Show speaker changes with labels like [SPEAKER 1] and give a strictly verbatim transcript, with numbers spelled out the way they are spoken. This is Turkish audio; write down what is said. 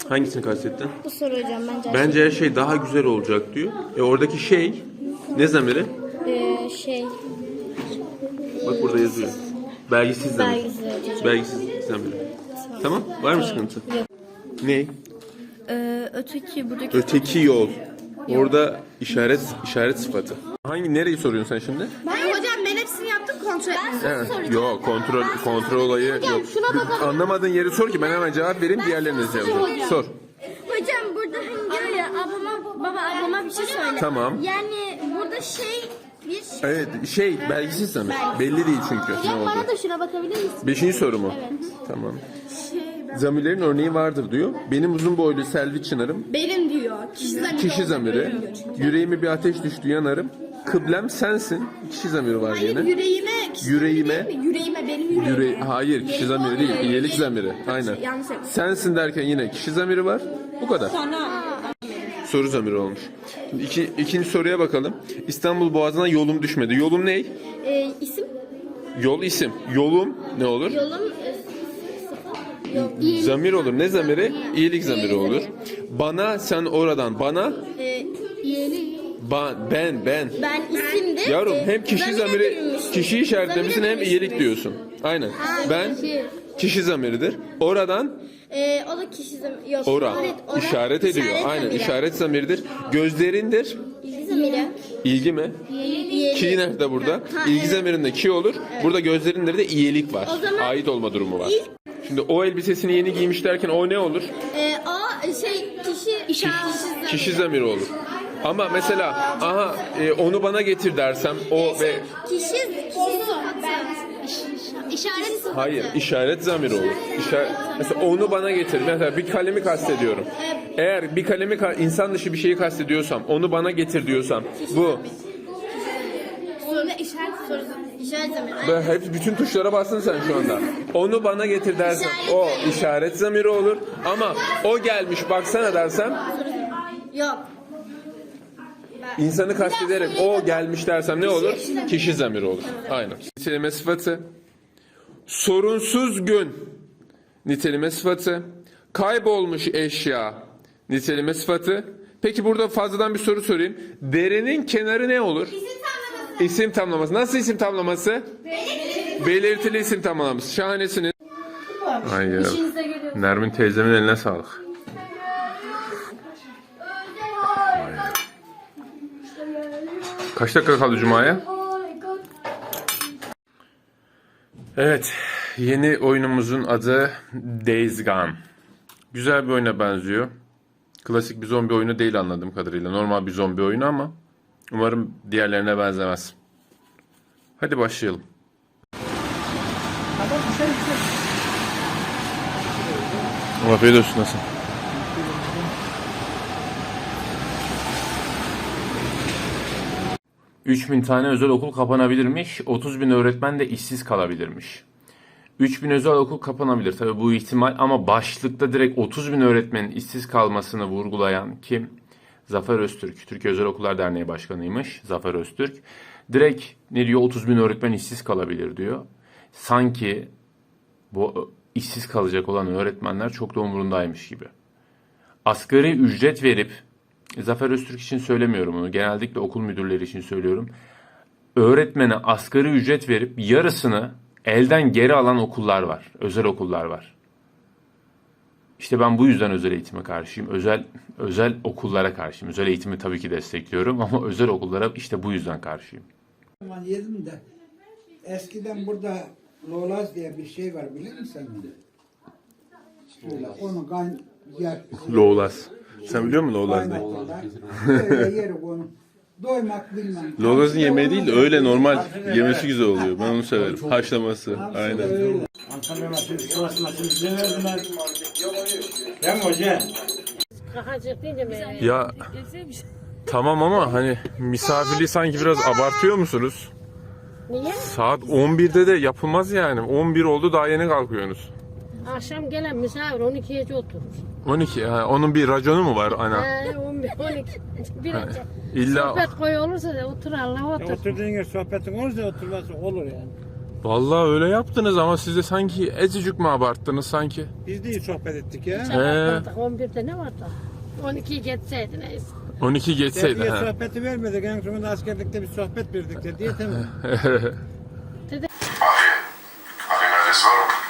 [SPEAKER 1] Hangisini kastettin?
[SPEAKER 2] Bu soru hocam bence.
[SPEAKER 1] Bence her şey daha güzel olacak diyor. E oradaki şey ne zamiri?
[SPEAKER 2] Ee, şey.
[SPEAKER 1] Bak burada yazıyor. Belgisiz zamir.
[SPEAKER 2] Belgisiz hocam.
[SPEAKER 1] Belgisiz zamir. Tamam. Var mı sıkıntı?
[SPEAKER 2] Yok.
[SPEAKER 1] Ne?
[SPEAKER 2] Ee, öteki buradaki.
[SPEAKER 1] Öteki yol. Orada işaret işaret sıfatı. Hangi nereyi soruyorsun sen şimdi?
[SPEAKER 3] Ben hocam ben hepsini yaptım kontrol ettim.
[SPEAKER 1] Evet. Yok kontrol kontrol olayı yok. Anlamadığın yeri sor ki ben hemen cevap vereyim diğerlerini cevap. Sor.
[SPEAKER 3] Hocam burada hani diyor ya ablama baba ablama bir şey söyle.
[SPEAKER 1] Tamam.
[SPEAKER 3] Yani burada şey bir
[SPEAKER 1] Evet şey belgisiz zamir. Belli değil çünkü ne
[SPEAKER 3] Hocam
[SPEAKER 1] oldu.
[SPEAKER 3] bana da şuna bakabilir misin?
[SPEAKER 1] Beşinci soru mu?
[SPEAKER 3] Evet.
[SPEAKER 1] Tamam.
[SPEAKER 3] Şey,
[SPEAKER 1] Zamirlerin örneği vardır diyor. Benim uzun boylu Selvi Çınarım.
[SPEAKER 3] benim diyor. Kişi zamiri.
[SPEAKER 1] Kişi zamiri. Yüreğime bir ateş düştü yanarım. Kıblem sensin. Kişi zamiri var
[SPEAKER 3] Hayır
[SPEAKER 1] yine.
[SPEAKER 3] yüreğime kişi
[SPEAKER 1] Yüreğime.
[SPEAKER 3] zamiri değil mi? Yüreğime benim yüreğime.
[SPEAKER 1] Yüre hayır kişi zamiri değil. İyilik zamiri. Aynen.
[SPEAKER 3] Yanlış yaptım.
[SPEAKER 1] Sensin derken yine kişi zamiri var. Bu kadar. Soru zamiri olmuş. Şimdi iki, ikinci soruya bakalım. İstanbul Boğazı'na yolum düşmedi. Yolum ne?
[SPEAKER 3] Ee, isim
[SPEAKER 1] Yol isim. Yolum ne olur?
[SPEAKER 3] yolum e, sıfat. Yok. İyilik.
[SPEAKER 1] Zamir olur. Ne zamiri? İyilik zamiri olur. Bana sen oradan. Bana
[SPEAKER 3] Ee, iyilik.
[SPEAKER 1] ba, ben ben.
[SPEAKER 3] Ben isimdi.
[SPEAKER 1] Yavrum
[SPEAKER 3] Ee,
[SPEAKER 1] hem kişi
[SPEAKER 3] zamire
[SPEAKER 1] zamiri
[SPEAKER 3] bürünmüştüm.
[SPEAKER 1] kişi işaretlemişsin
[SPEAKER 3] Zamire
[SPEAKER 1] hem iyilik
[SPEAKER 3] bürünmüştüm.
[SPEAKER 1] diyorsun. Aynen. Ben
[SPEAKER 3] kişi.
[SPEAKER 1] kişi zamiridir. Oradan
[SPEAKER 3] Ee, o da kişi zamiri. Yok.
[SPEAKER 1] ora
[SPEAKER 3] Evet, ora.
[SPEAKER 1] işaret ediyor.
[SPEAKER 3] İşaret
[SPEAKER 1] Aynen
[SPEAKER 3] zamiri.
[SPEAKER 1] işaret zamiridir. Gözlerindir.
[SPEAKER 3] İlgi zamiri.
[SPEAKER 1] İlgi mi?
[SPEAKER 3] İyilik.
[SPEAKER 1] Ki nerede burada?
[SPEAKER 3] Ha,
[SPEAKER 1] İlgi
[SPEAKER 3] evet.
[SPEAKER 1] zamirinde ki olur. Burada gözlerindir de iyilik var.
[SPEAKER 3] O zaman-
[SPEAKER 1] Ait olma durumu var.
[SPEAKER 3] İlk-
[SPEAKER 1] Şimdi o elbisesini yeni giymiş derken o ne olur?
[SPEAKER 3] Ee, o şey kişi işaret.
[SPEAKER 1] Kişi zamiri olur. Ama mesela aha e, onu bana getir dersem o ve
[SPEAKER 3] Kişi kişi sıfatı. İşaret sıfatı.
[SPEAKER 1] hayır işaret zamiri olur. İşaret, mesela onu bana getir. Mesela bir kalemi kastediyorum. Eğer bir kalemi ka- insan dışı bir şeyi kastediyorsam onu bana getir diyorsam bu
[SPEAKER 3] Sonra işaret soru. İşaret zamiri.
[SPEAKER 1] ben hep bütün tuşlara bastın sen şu anda. Onu bana getir dersem o işaret zamiri olur. Ama o gelmiş baksana dersem
[SPEAKER 3] Yok.
[SPEAKER 1] insanı kastederek o gelmiş dersem ne olur? Kişi zamiri olur. Aynen. Niteleme sıfatı. Sorunsuz gün. Niteleme sıfatı. Kaybolmuş eşya. Niteleme sıfatı. Peki burada fazladan bir soru sorayım. Derenin kenarı ne olur?
[SPEAKER 3] İsim tamlaması.
[SPEAKER 1] İsim tamlaması. Nasıl isim tamlaması?
[SPEAKER 3] Belirtili.
[SPEAKER 1] Belirtili isim tamlaması. Şahanesiniz. Hayır. Nermin teyzemin eline sağlık. Kaç dakika kaldı Cuma'ya? Evet. Yeni oyunumuzun adı Days Gone. Güzel bir oyuna benziyor. Klasik bir zombi oyunu değil anladığım kadarıyla. Normal bir zombi oyunu ama umarım diğerlerine benzemez. Hadi başlayalım. Afiyet olsun nasıl? üç bin tane özel okul kapanabilirmiş, otuz bin öğretmen de işsiz kalabilirmiş. üç bin özel okul kapanabilir tabii bu ihtimal ama başlıkta direkt otuz bin öğretmenin işsiz kalmasını vurgulayan kim? Zafer Öztürk, Türkiye Özel Okullar Derneği Başkanıymış Zafer Öztürk. Direkt ne diyor otuz bin öğretmen işsiz kalabilir diyor. Sanki bu işsiz kalacak olan öğretmenler çok da umurundaymış gibi. Asgari ücret verip, Zafer Öztürk için söylemiyorum bunu, genellikle okul müdürleri için söylüyorum. Öğretmene asgari ücret verip yarısını elden geri alan okullar var, özel okullar var. İşte ben bu yüzden özel eğitime karşıyım, özel özel okullara karşıyım. Özel eğitimi tabii ki destekliyorum ama özel okullara işte bu yüzden karşıyım.
[SPEAKER 4] Ben yedim de eskiden burada Lolaz diye bir şey var bilir misin? Şöyle onu kan yer.
[SPEAKER 1] Loğlaz. Sen biliyor musun Loğlaz ne?
[SPEAKER 4] Kaynatırlar. Öyle yeri onu. Doymak bilmem.
[SPEAKER 1] Loğlaz'ın yemeği değil de öyle normal yemesi güzel oluyor. Ben onu severim. Haşlaması. Aynen.
[SPEAKER 5] Antalya maçı, Sivas maçı ne verdiler? Değil mi hocam?
[SPEAKER 1] Ya tamam ama hani misafirliği sanki biraz abartıyor musunuz?
[SPEAKER 6] Niye?
[SPEAKER 1] Saat on birde de yapılmaz yani. on bir oldu daha yeni kalkıyorsunuz.
[SPEAKER 6] Akşam gelen misafir on ikiye oturur.
[SPEAKER 1] on iki. Ha, onun bir raconu mu var ana?
[SPEAKER 6] He, on bir, on iki. Bir
[SPEAKER 1] Ha,
[SPEAKER 6] önce
[SPEAKER 1] illa
[SPEAKER 6] sohbet koyu olursa da otur Allah
[SPEAKER 5] Ya
[SPEAKER 6] otur.
[SPEAKER 5] oturduğun yer sohbetin olursa oturması olur yani.
[SPEAKER 1] Vallahi öyle yaptınız ama siz de sanki ezicik mi abarttınız sanki?
[SPEAKER 5] Biz de iyi sohbet ettik ya.
[SPEAKER 6] He. on birde ne vardı? on ikiyi geçseydi neyse.
[SPEAKER 1] on iki geçseydi.
[SPEAKER 5] Dediye
[SPEAKER 1] ha.
[SPEAKER 5] sohbeti vermedik. En sonunda askerlikte bir sohbet verdik dediye tamam.
[SPEAKER 7] Afiyet. Afiyet nefes var mı?